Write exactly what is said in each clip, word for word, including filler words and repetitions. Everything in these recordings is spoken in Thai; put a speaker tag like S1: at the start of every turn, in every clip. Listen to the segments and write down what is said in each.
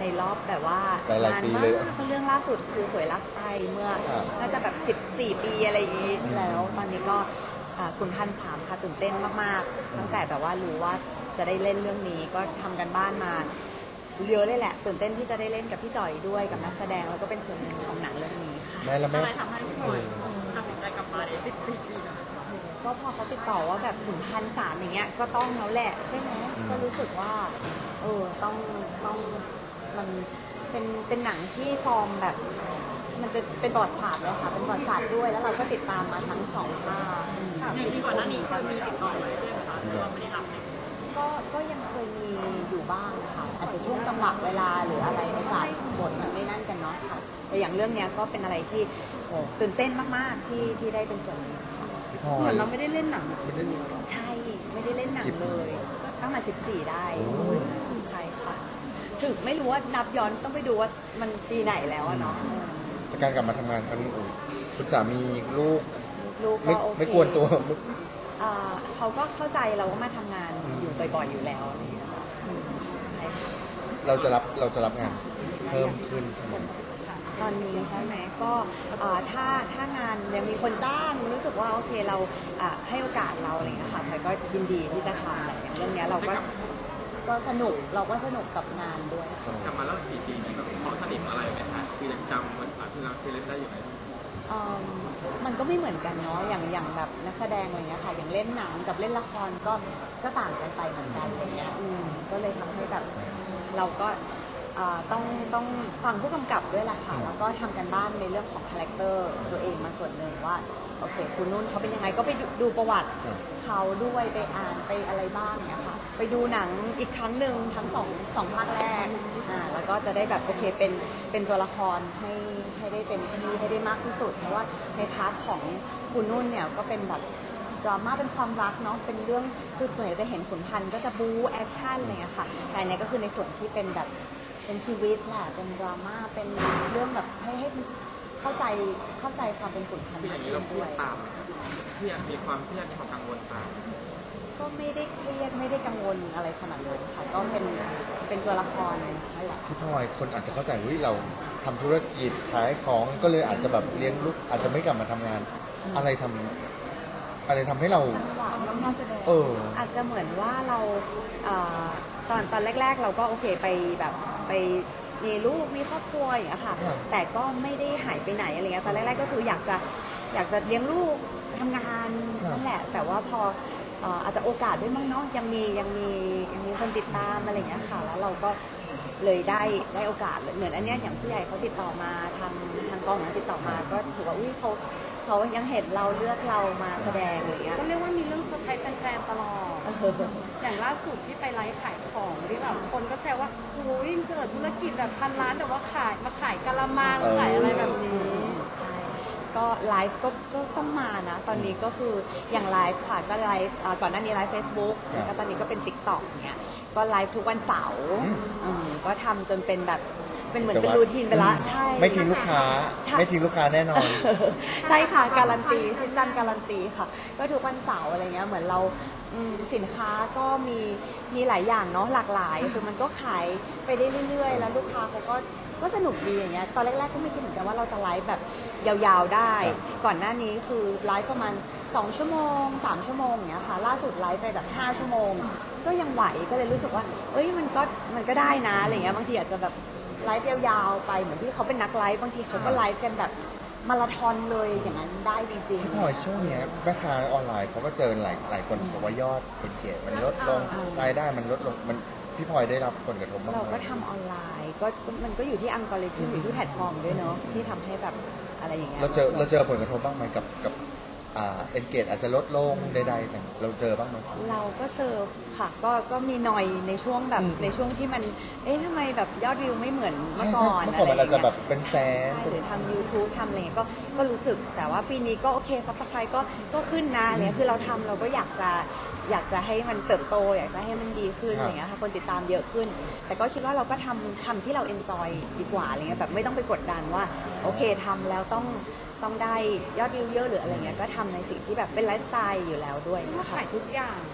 S1: ในรอบแบบว่า
S2: หลายๆปีเลย
S1: เรื่องล่าสุดคือสวยรักไทยเมื่อน่าจะแบบสิบสี่ปีอะไรอย่างนี้แล้วตอนนี้ก็คุณพันสามค่ะตื่นเต้นมากๆตั้งแต่แบบว่ารู้ว่าจะได้เล่นเรื่องนี้ก็ทำกันบ้านมาเยอะเลยแหละตื่นเต้นที่จะได้เล่นกับพี่จ่อยด้วยกับนักแสดงแล้วก็เป็นส่วนหนึ่งของหนังเรื่องนี้ค่ะ
S2: แม่และแม่
S3: อะไรทำให้พี่หน่อยตัดสินใจกลับมาในสิบสี่ปีนะ
S1: ก็พอเขาติดต่อว่าแบบถึงพันสามอย่างเงี้ยก็ต้องแล้วแหละใช่ไหมก็รู้สึกว่าเออต้องต้องมันเป็นเป็นหนังที่ฟอร์มแบบมันจะเป็นประวัติศาสตร์แล้วค่ะเป็นประวัติศาสตร์ด้วยแล้วเราก็ติดตามมาทั้งสองภาค
S3: อย่างที่ก่อนหน้านี้เคยมีติดต่อมาเรื่อยๆนะคะแต่ว่าไม่ได้รับเลย
S1: ก็ก็ยังเคยมีอยู่บ้างค่ะอาจจะช่วงจังหวะเวลาหรืออะไรโอกาสบทมันไม่นั่นกันเนาะค่ะแต่อย่างเรื่องเนี้ยก็เป็นอะไรที่โอ้ตื่นเต้นมากๆที่ที่ได้เป็นส่วนนี้ค่ะ
S2: เหมือน
S1: เราไม่ได้เล่นหนังใช่ไม่ได้เล่นหนังเลยก็ตั้งแต่สิบสี่ได้ใช่ค่ะถึงไม่รู้ว่านับย้อนต้องไปดูว่ามันปีไหนแล้วอะเนาะ
S2: จากการกลับมาทำงานครั้งนี้คุณสามีลูก
S1: ลูก
S2: ก็ไม่กวนตัว
S1: เขาก็เข้าใจเราก็มาทำงานอยู่บ่อยๆอยู่แล้วนี่ค่ะใช่ค่ะ
S2: เราจะรับเราจะรับงานเพิ่มขึ้นใช่ไหม
S1: ตอนนี้ใช่ไหมก็ถ้าถ้างานยังมีคนจ้างรู้สึกว่าโอเคเราให้โอกาสเราอะไรอย่างเงี้ยค่ะใครก็ยินดีที่จะทำอะไรอย่างเรื่องนี้เราก็ก็สนุกเราก็สนุกกับงานด้วย
S3: กลับมาแล้วสี่ปีนี้แบบเขาสนิทอะไรไหมคะคือยังจำวันที่เราเคยเล่นได้อยู่ไหม
S1: มันก็ไม่เหมือนกันเนาะอย่างอย่างแบบนักแสดงอะไรเงี้ยค่ะอย่างเล่นหนังกับเล่นละครก็ก็ต่างกันไปเหมือนกันอะไรเงี้ยอืมก็เลยทำให้แบบเราก็ต้องต้องฟังผู้กำกับด้วยแหละค่ะแล้วก็ทำกันบ้านในเรื่องของคาแรคเตอร์ตัวเองมาส่วนหนึ่งว่าโอเคคุณนุ่นเขาเป็นยังไงก็ไปดูประวัติเขาด้วยไปอ่านไปอะไรบ้างเนี่ยค่ะไปดูหนังอีกครั้งหนึ่งทั้งสองสองภาคแรกอ่าแล้วก็จะได้แบบโอเคเป็นเป็นตัวละครให้ให้ได้เต็มที่ให้ได้มากที่สุดเพราะว่าในพาร์ทของคุณนุ่นเนี่ยก็เป็นแบบดราม่าเป็นความรักเนาะเป็นเรื่องคือส่วนใหญ่จะเห็นขุนพันธ์ก็จะบู๊แอคชั่นอะไรเงี้ยค่ะแต่อันนี้ก็คือในส่วนที่เป็นแบบเป็นชีวิตแหละเป็นดราม่าเป็นเรื่องแบบให้ให้เข้าใจเข้าใจความเป็นขุนพันธ์
S3: อย่างนี้เราพูดตามเครียดมีความเครียดความกังวลตาม
S1: ก็ไม่ได้เครียดไม่ได้กังวลอะไรขนาดนั้นค่ะก็เป็นเป็นตัวละครนั่นแหละ
S2: พี่พลอยคนอาจจะเข้าใจว่าเราทำธุรกิจขายของก็เลยอาจจะแบบเลี้ยงลูกอาจจะไม่กลับมาทำงานอะไรทำอะไรทำให้เรา
S1: เอออาจจะเหมือนว่าเราตอนตอนแรกๆเราก็โอเคไปแบบไปมีลูกมีครอบครัวอย่างเงี้ยค่ะแต่ก็ไม่ได้หายไปไหนอะไรเงี้ยตอนแรกๆก็คืออยากจะอยากจะเลี้ยงลูกทำงานนั่นแหละแต่ว่าพออาจจะโอกาสด้วยมั้งเนาะยังมียังมียังมีคนติดตามอะไรเงี้ยค่ะแล้วเราก็เลยได้ได้โอกาสเหมือนอันเนี้ยอย่างผู้ใหญ่เขาติดต่อมาทางทางกองติดต่อมาก็ถือว่าอุ้ยเขาเขายังเห็นเราเลือกเรามาแสดงอะไรเงี้ย
S4: ก็เรียกว่ามีเรื่องเซอร์ไพรส์แฟนๆตลอดอย่างล่าสุดที่ไปไลฟ์ขายของที่แบบคนก็แซวว่าโอ้ยเกิดธุรกิจแบบพันล้านแต่ว่าขายมาขายกะละมังขายอะไรแบบนี้
S1: ใช่ก็ไลฟ์ก็ก็ต้องมานะตอนนี้ก็คืออย่างไลฟ์ค่ะก็ไลฟ์ก่อนหน้านี้ไลฟ์เฟซบุ๊กแล้วก็ตอนนี้ก็เป็น ติ๊กต็อก เนี้ยก็ไลฟ์ทุกวันเสาร์ก็ทำจนเป็นแบบเป็นเหมือนเป็นรูทีนไปละใช่
S2: ไม่ทิ้งลูกค้าไม่ทิ้งลูกค้าแน่นอน
S1: ใช่ค่ะการันตีชิ้นจันการันตีค่ะก็ทุกวันเสาร์อะไรเงี้ยเหมือนเราสินค้าก็มีมีหลายอย่างเนาะหลากหลายคือมันก็ขายไปได้เรื่อยๆแล้วลูกค้าเขาก็ก็สนุกดีอย่างเงี้ยตอนแรกๆก็ไม่คิดเหมือนกันว่าเราจะไลฟ์แบบยาวๆได้ก่อนหน้านี้คือไลฟ์ประมาณสองชั่วโมงสามชั่วโมงอย่างเงี้ยค่ะล่าสุดไลฟ์ไปแบบห้าชั่วโมงก็ยังไหวก็เลยรู้สึกว่าเอ้ยมันก็มันก็ได้นะอะไรเงี้ยบางทีอาจจะแบบไลฟ์ยาวๆไปเหมือนที่เขาเป็นนักไลฟ์บางทีเขาก็ไลฟ์กันแบบมาราธอนเลยอย่างนั้นได้จริงๆ
S2: พี่พลอยช่วงนี้แม่ค้าออนไลน์เขาก็เจอหลายหลายคนบอกว่ายอดเอ็นเกจมันลดลงรายได้มันลดลงมันพี่พลอยได้รับผลกระทบบ้างไหม
S1: เราก็ทำออนไลน์ก็มันก็อยู่ที่อัลกอริทึมอยู่ที่แพลตฟอร์มด้วยเนาะที่ทำให้แบบอะไรอย่างเงี้ย
S2: เราเจอเราเจอผลกระทบบ้างไหมกับกับอ่าเอ็นเกจอาจจะลดลงใดๆแต่เราเจอบ้างไหม
S1: เราก็เจอค่ะก็ก็มีหน่อยในช่วงแบบในช่วงที่มันเอ๊ะทำไมแบบยอดวิวไม่เหมือนเมื่อก่อน
S2: เมื่อก่อนมันอาจจะแบบเป็นแสน
S1: หรือทำ ยูทูบ ทำอะไรก็ก็รู้สึกแต่ว่าปีนี้ก็โอเคซับสไครบ์ก็ก็ขึ้นนะเนี่ยคือเราทำเราก็อยากจะอยากจะให้มันเติบโตอยากจะให้มันดีขึ้นอย่างเงี้ยค่ะคนติดตามเยอะขึ้นแต่ก็คิดว่าเราก็ทำทำที่เราเอนจอยดีกว่าอะไรเงี้ยแบบไม่ต้องไปกดดันว่าโอเคทำแล้วต้องต้องได้ยอดวิวเยอะหรืออะไรเงี้ยก็ทำในสิ่งที่แบบเป็นไลฟ์สไตล์อยู่แล้วด้วย
S4: นะคะขายทุกอย่างข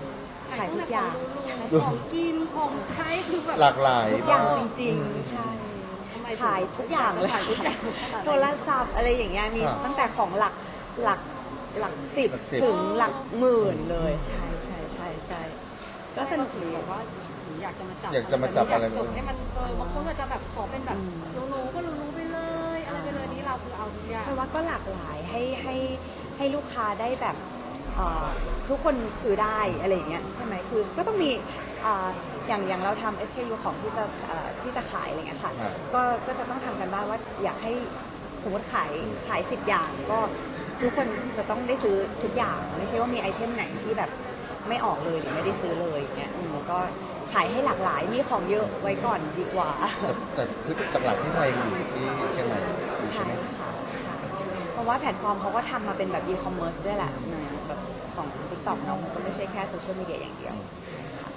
S4: ขาย
S1: ขาย
S4: ตั้ง
S1: ทุ
S4: แต่
S1: กอย่าง
S4: ของของกินของใช้คือแบบ
S2: หลากหลาย
S1: ทุกอย่าง
S2: ม
S1: จริง
S2: อืม
S1: ๆ ใช่
S4: ทำไม
S1: ขายทุกอย่างเลย
S4: ขายทุกอย่าง
S1: โทรศัพท์อะไรอย่างเงี้ยมี
S2: อ่า
S1: ตั้งแต่ของหลักหลักหลักสิบ
S2: หลักสิบ
S1: ถึงหลักหมื่นเลย ใช่ใช่ใช่ใช่ก็สนุก
S4: ถือ
S1: ดี
S4: แบบว่าอยากจะมาจับ
S2: อยากจะมาจับอะไร
S4: ยากจบให้มันเออบางคนอาจจะแบบขอเป็นแบบ
S1: อืม
S4: รู้ๆก็รู้ๆไปเลย อะไรไปเลยนี่เราคือเอาทุกอย่าง
S1: เพราะว่าก็หลากหลายให้ให้ให้ลูกค้าได้แบบเอ่อทุกคนซื้อได้อะไรอย่างเงี้ยใช่ไหมคือก็ต้องมีเอ่ออย่างอย่างเราทำ เอส เค ยู ของที่จะเอ่อที่จะขายอะไรเงี้ยค่ะ
S2: ครับ
S1: ก็ก็จะต้องทำกันบ้างว่าอยากให้สมมติขายขายสิบอย่างก็ทุกคนจะต้องได้ซื้อทุกอย่างไม่ใช่ว่ามีไอเทมไหนที่แบบไม่ออกเลยหรือไม่ได้ซื้อเลยอย่างเงี้ยอืมก็ขายให้หลากหลายมีของเยอะไว้ก่อนดีกว่า
S2: แต่แต่คือหลักๆที่ไทยอยู่ที่เชียงใหม่อยู่ใช่
S1: ใช่
S2: ไหม
S1: ค่ะใช่เพราะว่าแพลตฟอร์มเขาก็ทำมาเป็นแบบอีคอมเมิร์ซด้วยแหละแบบของ TikTok เนาะมันก็ไม่ใช่แค่โซเชียลมีเดียอย่างเดียวใช่ค่ะ